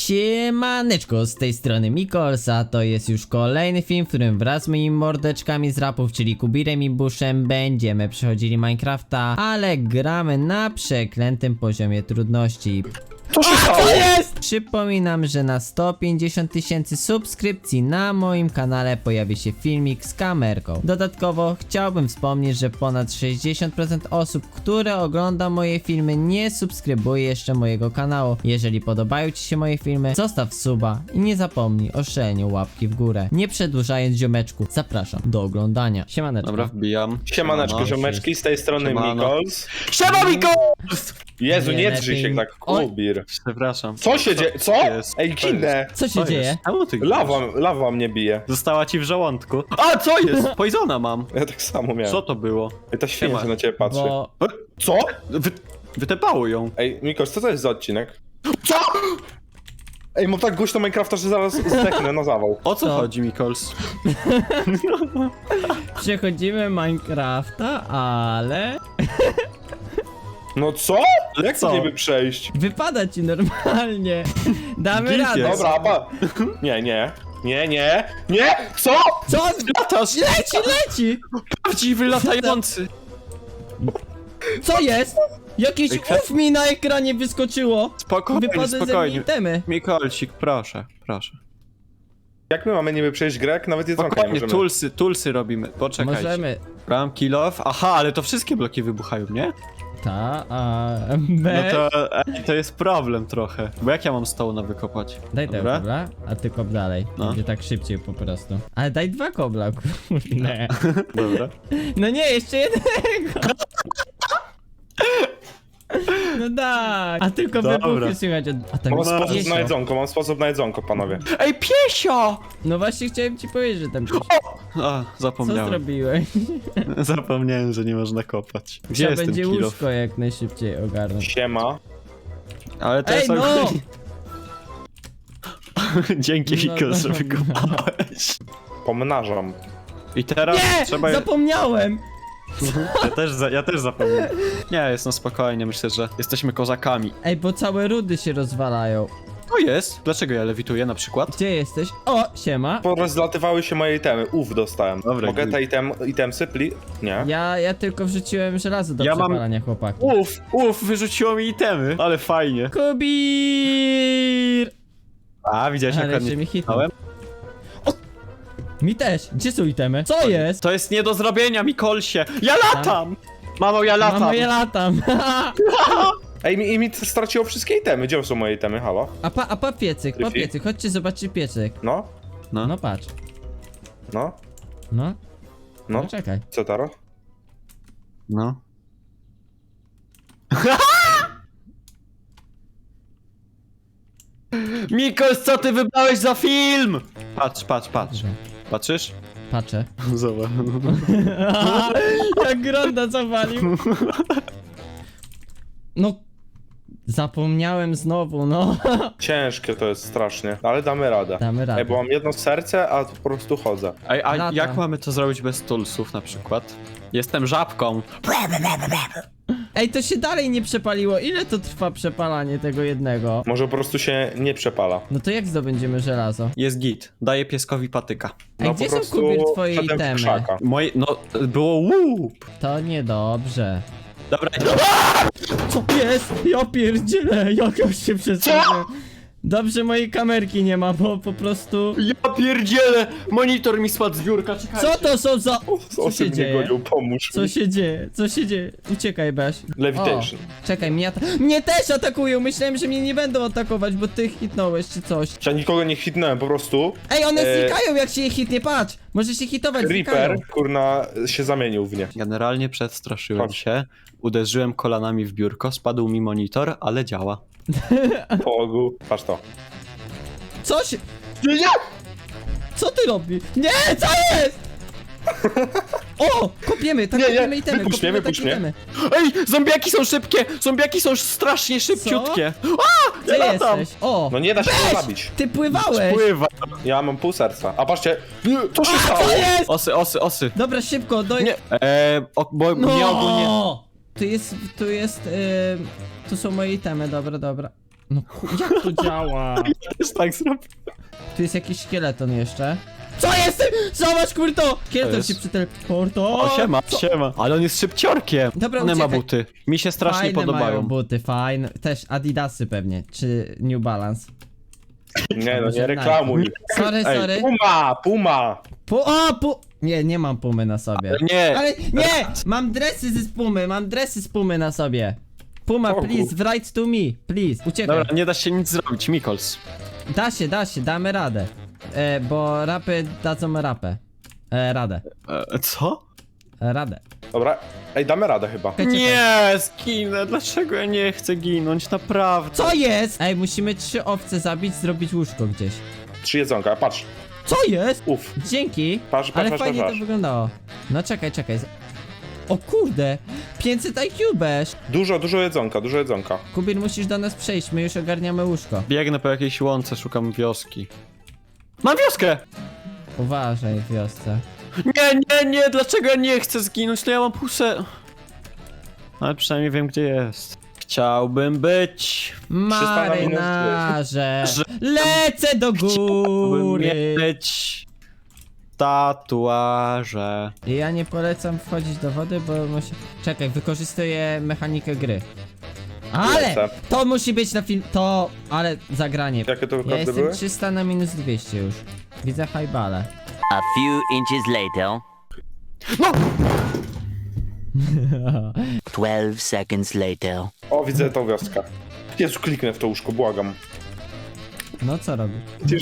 Siemaneczko, z tej strony Mikolsa, to jest już kolejny film, w którym wraz z moimi mordeczkami z rapów, czyli Kubirem i Buszem, będziemy przechodzili Minecrafta, ale gramy na przeklętym poziomie trudności. Co się stało? Co jest? Przypominam, że na 150 000 subskrypcji na moim kanale pojawi się filmik z kamerką. Dodatkowo chciałbym wspomnieć, że ponad 60% osób, które ogląda moje filmy, nie subskrybuje jeszcze mojego kanału. Jeżeli podobają ci się moje filmy, zostaw suba i nie zapomnij o szaleniu łapki w górę. Nie przedłużając, ziomeczku, zapraszam do oglądania. Siemaneczko. Dobra, wbijam. Siemaneczko, Siemano. ziomeczki, z tej strony Siemano. Mikols. Siema, Mikols! Jezu, Nie nie drzyj się lepiej. tak, Kubir. Przepraszam. Co się dzieje? Co? jest? Ej, kinę! Co się dzieje? Czemu ty Lawa mnie bije. Została ci w żołądku. A, co jest? Poisona mam. Ja tak samo miałem. Co to było? Ej, ta świnia Siema. się na ciebie patrzy. Bo... Co? Wytepało ją. Ej, Mikols, co to jest za odcinek? Co? Ej, mam tak głośno Minecrafta, że zaraz zdechnę na zawał. O co Co? chodzi, Mikols? Przechodzimy Minecrafta, ale... No co? Jak Co? to niby przejść? Wypada ci normalnie. Damy Git radę. jest. Dobra, Nie! Co? Co? Latasz! Leci! Prawdziwy latający! Co jest? Jakieś Ej, uf mi na ekranie wyskoczyło. Spokojnie, Wypadły ze mnie spokojnie. itemy. Mikolsik, proszę, proszę. Jak my mamy niby przejść grę, jak nawet jedzonka nie Spokojnie, możemy? tulsy robimy. Poczekajcie. Możemy. Bram, kill off. Aha, ale to wszystkie bloki wybuchają, nie? Ta, a No B. to jest problem trochę. Bo jak ja mam stołna wykopać? Daj tego Dobra. kobla, a ty kop dalej. No. Będzie tak szybciej po prostu. Ale daj dwa kobla, kurde. Dobra. No nie, jeszcze jednego. No tak. A tylko Dobra. wybuchy słychać. A tam Mam jest sposób piesio. mam sposób na jedzonko, panowie. Ej, piesio! No właśnie chciałem ci powiedzieć, że tam piesio. A, Co zapomniałem. zrobiłeś? Zapomniałem, że nie można kopać. Gdzie Trzeba jest ten będzie kill off? łóżko jak najszybciej ogarnąć. Siema. Ale to Ej, jest no! ogólnie- Dzięki, No, Miko, że no. wykopałeś. Pomnażam. I teraz Nie! trzeba... Zapomniałem! Ja też zapomniałem. Nie, jest no spokojnie, myślę, że jesteśmy kozakami. Ej, bo całe rudy się rozwalają. To jest. Dlaczego ja lewituję na przykład? Gdzie jesteś? O, siema. Porozlatywały się moje itemy. dostałem. Dobra, Mogę git. te itemsy, Nie? Ja tylko wrzuciłem żelazo do Ja mam- przepalania, chłopaki. Wyrzuciło mi itemy. Ale fajnie. Kubir! A, widziałeś jak Ale ładnie jeszcze mi hitnął. hitnąłem? Mi też. Gdzie są itemy? Co jest? To jest nie do zrobienia, Mikolsie. Ja latam! Mamo, ja latam. Mamo, ja latam. Ej, mi straciło wszystkie itemy. Gdzie są moje itemy? Halo? A piecyk, Fifi? chodźcie zobaczcie piecyk. No? No patrz. No? No, No? no czekaj. Co Taro? No. Mikos, co ty wybrałeś za film? Patrz. Patrzysz? Patrzę. Zobacz. Jak Gronda zawalił. No. Zapomniałem znowu, no. Ciężkie to jest strasznie, ale damy radę. Damy radę. Ej, bo mam jedno serce, a po prostu chodzę. Ej, a Lata. jak mamy to zrobić bez tulsów na przykład? Jestem żabką. Ej, to się dalej nie przepaliło. Ile to trwa przepalanie tego jednego? Może po prostu się nie przepala. No to jak zdobędziemy żelazo? Jest git. Daję pieskowi patyka. Ej, gdzie są, Kubir, twoje wszedłem w itemy? krzaka. Moje, no, było łup. To niedobrze. Dobra, Co jest? Ja pierdzielę, jak ja się przesunę. Dobrze mojej kamerki nie ma, bo po prostu... ja pierdzielę! Monitor mi spadł z biurka, czekajcie. Co to są za... Co Osób się mnie dzieje? gonią, pomóż Co mi. się dzieje? Co się dzieje? Uciekaj, Baś. Levitation. O, czekaj, mnie też atakują! Myślałem, że mnie nie będą atakować, bo ty hitnąłeś czy coś. Ja nikogo nie hitnąłem, po prostu Ej, one E, znikają jak się je hitnie, patrz! Może się hitować, znikają. Reaper, kurna, się zamienił w nie. Generalnie przestraszyłem Chodź. się, uderzyłem kolanami w biurko, spadł mi monitor, ale działa. Po ogół. Patrz to. Co się... Nie! Co ty robisz? Nie, co jest? O! Kopiemy, tak Nie, nie, kopiemy itemy, wypuść mnie, kopiemy wypuść tak mnie. itemy. Ej, zombiaki są szybkie! Zombiaki są strasznie szybciutkie! Gdzie Ja latam. jesteś? O! No nie da się Weź! go zabić. Ty pływałeś! Pływa! Ja mam pół serca. A patrzcie, nie, co się stało? Co jest? Osy. Dobra, szybko, Nie, bo mnie ogólnie... No! Tu są moje itemy, dobra. No jak to działa? Też tak zrobię. Tu jest jakiś szkieleton jeszcze. Co jest? Zobacz, kurto! Szkieleton jest? się przyteleportował. O, siema, siema. Ale on jest szybciorkiem. Dobra, One ma uciekaj. buty. Mi się strasznie Fajne podobają. mają buty, fajne. Też Adidasy pewnie, czy New Balance. Nie no, Może nie reklamuj. Sorry, Ej, sorry. Puma! Nie, nie mam pumy na sobie. Nie. Ale nie! Mam dresy z pumy na sobie. Puma, O, please, write to me, please. Uciekaj. Dobra, nie da się nic zrobić, Mikols. Da się, damy radę. Bo rapy dadzą rapę. Radę. Co? Radę. Dobra, ej, damy radę chyba. Czekaj. Nie, zginę. Dlaczego ja nie chcę ginąć? Naprawdę. Co jest? Ej, musimy 3 owce zabić, zrobić łóżko gdzieś. 3 jedzonka, patrz. Co jest? Uf. Dzięki. Patrz, Ale patrz, fajnie patrz. to wyglądało. No czekaj. O kurde! 500 IQ beż! Dużo jedzonka. Kubir, musisz do nas przejść, my już ogarniamy łóżko. Biegnę po jakiejś łące, szukam wioski. Mam wioskę! Uważaj w wiosce. Nie, dlaczego ja nie chcę zginąć? To ja mam pusę. Ale przynajmniej wiem, gdzie jest. Chciałbym być. Marynarze! Lecę do Chciałbym góry! mieć tatuaże. Ja nie polecam wchodzić do wody, bo musi... Czekaj, wykorzystuję mechanikę gry. Ale! Lecę. To musi być na film... To... Ale zagranie. Jakie to Ja kody jestem były? 300 na minus 200 już. Widzę highbale. A few inches later. 12 seconds later. O, widzę tą wioskę. Jezu, kliknę w to łóżko, błagam. No co robi?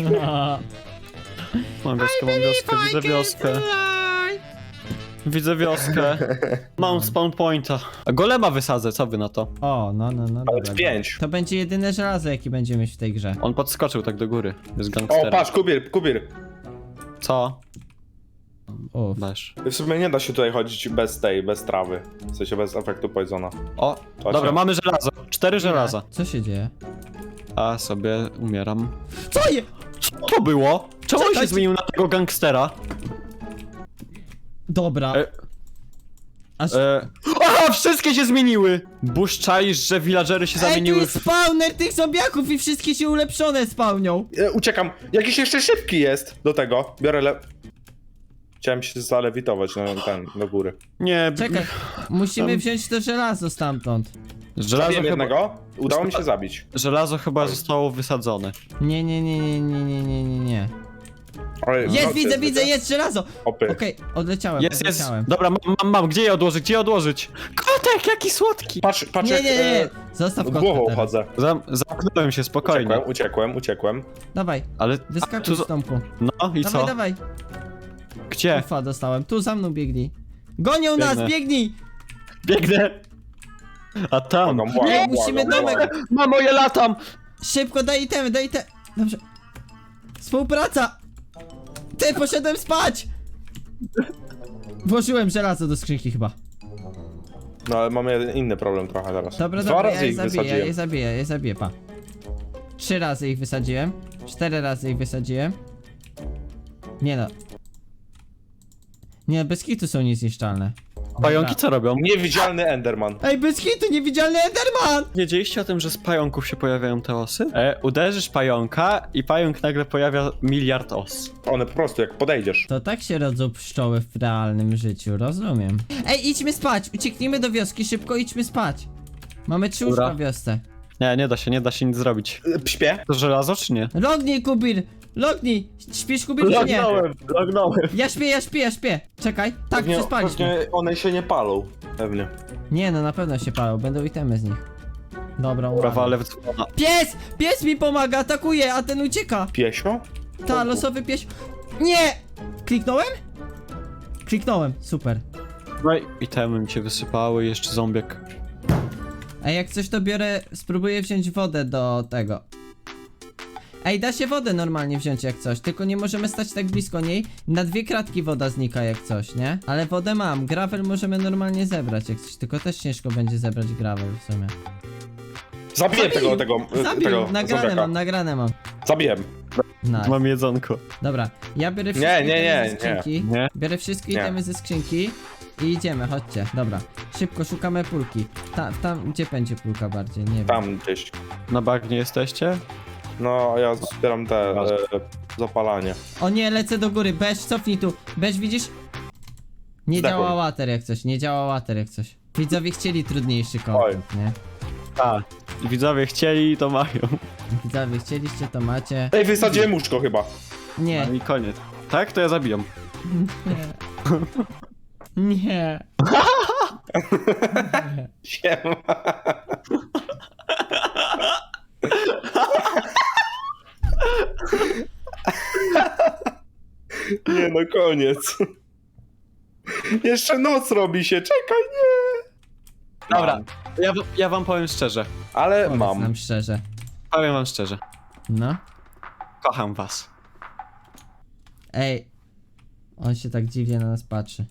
Mam wioskę, widzę wioskę. Widzę wioskę. Mam spawn pointa. A golema wysadzę, co wy na to? O, no, Ale dobra. z 5. To będzie jedyne żelazo, jakie będziemy mieć w tej grze. On podskoczył tak do góry. Jest O, gangsterem. patrz, Kubir. Co? Uff. Masz. W sumie nie da się tutaj chodzić bez trawy. W sensie bez efektu poisona. O, To dobra, się- mamy żelazo. 4 żelaza. Co się dzieje? A sobie umieram. Co je? Co to było? Czemu on się Czekajcie. zmienił na tego gangstera? Dobra. E, Aż... Aha, wszystkie się zmieniły! Buszczaisz, że villagery się Ej, tu zamieniły jest w... spawner tych zombiaków i wszystkie się ulepszone spawnią. Uciekam. Jakiś jeszcze szybki jest do tego. Biorę Chciałem się zalewitować do góry. Nie, Czekaj, musimy wziąć to żelazo stamtąd. żelazo Zabiłem chyba, jednego. Udało mi się zabić. żelazo chyba zostało wysadzone. Nie. Ale Jest, nocy widzę, jest żelazo. Opy. Okej, odleciałem. Jest. Dobra, mam. Gdzie je odłożyć? Kotek, jaki słodki! Patrz Nie. jak Zostaw głową kotka teraz. chodzę. Zamknąłem się, spokojnie. Uciekłem. Dawaj, Ale... wyskakuj z domku. No i co? Dawaj. Gdzie? Ufa, dostałem. Tu za mną biegnij. Gonią nas, Biegnę. biegnij! Biegnę! A tam... Nie, musimy domek. Mamo, ja latam! Szybko, daj itemy. Dobrze. Współpraca! Ty, poszedłem spać! Włożyłem żelazo do skrzynki chyba. No ale mamy inny problem trochę teraz. Dobra, Dwa ja razy je ich zabiję, wysadziłem. ja je zabiję, pa. 3 razy ich wysadziłem. 4 razy ich wysadziłem. Nie no. Nie, bez kitu są niezniszczalne. Pająki co robią? Niewidzialny Enderman. Ej, bez kitu, niewidzialny Enderman! Wiedzieliście o tym, że z pająków się pojawiają te osy? Uderzysz pająka i pająk nagle pojawia miliard os. One po prostu jak podejdziesz. To tak się rodzą pszczoły w realnym życiu, rozumiem. Ej, idźmy spać, ucieknijmy do wioski, szybko idźmy spać. Mamy 3 Dobra. łóżka w wiosce. Nie da się nic zrobić. Śpię? To żelazo czy nie? Lognij, Kubir! Lognij! Śpisz, Kubir, czy nie? Lognąłem. Ja śpię. Czekaj. Tak, przespaliśmy. Pewnie one się nie palą. Pewnie. Nie no, na pewno się palą, będą itemy z nich. Dobra, uwaga. Prawa, lew, dzwona. Pies! Pies mi pomaga, atakuje, a ten ucieka. Piesio? Ta, losowy pies. Nie! Kliknąłem? Kliknąłem, super. No i itemy mi się wysypały, jeszcze zombiek. A jak coś to biorę, spróbuję wziąć wodę do tego. Ej, da się wodę normalnie wziąć jak coś, tylko nie możemy stać tak blisko niej. Na 2 kratki woda znika jak coś, nie? Ale wodę mam, gravel możemy normalnie zebrać jak coś, tylko też ciężko będzie zebrać gravel w sumie. Zabiję tego Zabił, nagrane zombiaka. mam. Zabiłem. Nice. Mam jedzonko. Dobra, ja biorę wszystkie itemy ze nie. skrzynki. Nie. Biorę wszystkie Nie. itemy ze skrzynki I idziemy, chodźcie. Dobra. Szybko szukamy pulki. Tam, gdzie będzie pulka bardziej? Nie wiem. Tam gdzieś. Na bagnie jesteście? No, ja zbieram te zapalanie. O nie, lecę do góry. Beż, cofnij tu. Beż, widzisz? Nie Zdechłem. działa water jak coś, nie działa water jak coś. Widzowie chcieli trudniejszy content, nie? Tak. Widzowie chcieli, to mają. Widzowie chcieliście, to macie. Ej, wysadziłem łóżko chyba. Nie, No i koniec. Tak? To ja zabijam. nie. Siema. Nie no, koniec. Jeszcze noc robi się, czekaj, nie. Dobra, Mam. ja wam powiem szczerze. Ale Powiedz mam. nam szczerze. Powiem wam szczerze. No. Kocham was. Ej. On się tak dziwnie na nas patrzy.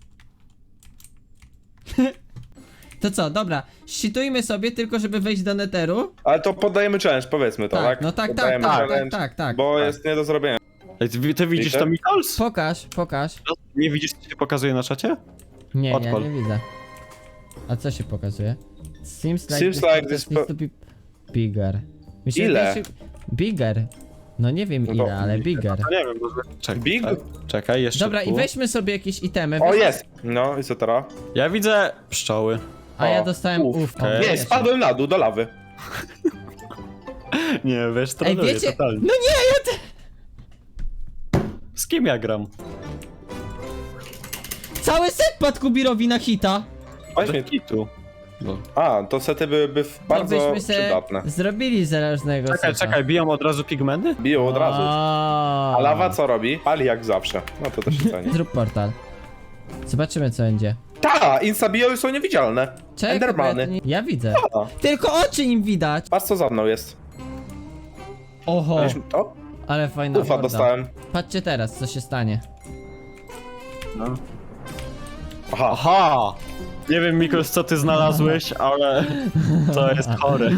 To co, dobra. Szczytujmy sobie tylko, żeby wejść do netheru. Ale to poddajemy challenge, powiedzmy to, Tak, tak? no tak, tak, Poddajemy tak, challenge, tak. Bo tak. jest nie do zrobienia. Ej, ty widzisz to, Mikols? Pokaż. Nie widzisz, co się pokazuje na czacie? Nie, Odpal. ja nie widzę. A co się pokazuje? Seems like Seems like this this needs to be bigger. Mi się Ile? wydaje, że- Bigger. No nie wiem No ile, to- ale bigger. No nie wiem, może... Czekaj, Big? czekaj, jeszcze Dobra, i tu. weźmy sobie jakieś itemy. O, weźmy- jest! No i co teraz? Ja widzę pszczoły. A ja O, dostałem ówkę. ówkę. Nie, spadłem na dół, do lawy. Nie, wiesz, Ej, troluję wiecie? totalnie. No nie, Z kim ja gram? cały set padł Kubirowi na hita. Właśnie. Kitu. No. A, to sety byłyby No bardzo byśmy se przydatne. zrobili zależnego Czekaj, biją od razu pigmenty? Biją od razu. A A lawa co robi? Pali jak zawsze. No to też się ceni. Zrób portal. Zobaczymy co będzie. Ta! Instabio są niewidzialne. Czekaj, Endermany. bo ja nie- Ja widzę. A, Tylko oczy im widać. patrz co za mną jest. Oho, O, ale fajna ufa horda. dostałem. Patrzcie teraz, co się stanie. Aha. Aha! Nie wiem, Mikols, co ty znalazłeś, ale to jest chore.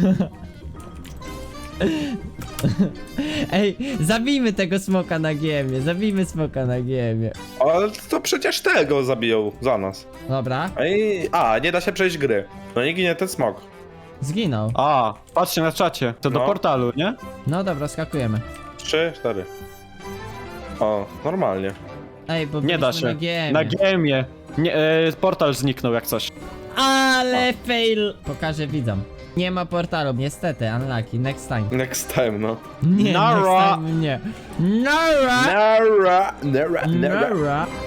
Ej, zabijmy tego smoka na giemie, zabijmy smoka na giemie. Ale to przecież tego zabiją za nas. Dobra, A, nie da się przejść gry. No nie ginie ten smok. zginął. A, patrzcie na czacie. To do No. portalu, nie? No dobra, skakujemy. 3, 4. O, normalnie. Ej, bo Nie da byliśmy się. na giemie. Na gemie. Nie, portal zniknął jak coś. Ale fail! Pokażę widzom. Nie ma portalu, niestety, unlucky, next time. Next time, no. Nie, Nara. next time nie. Nara! Nara, nara, nara. Nara!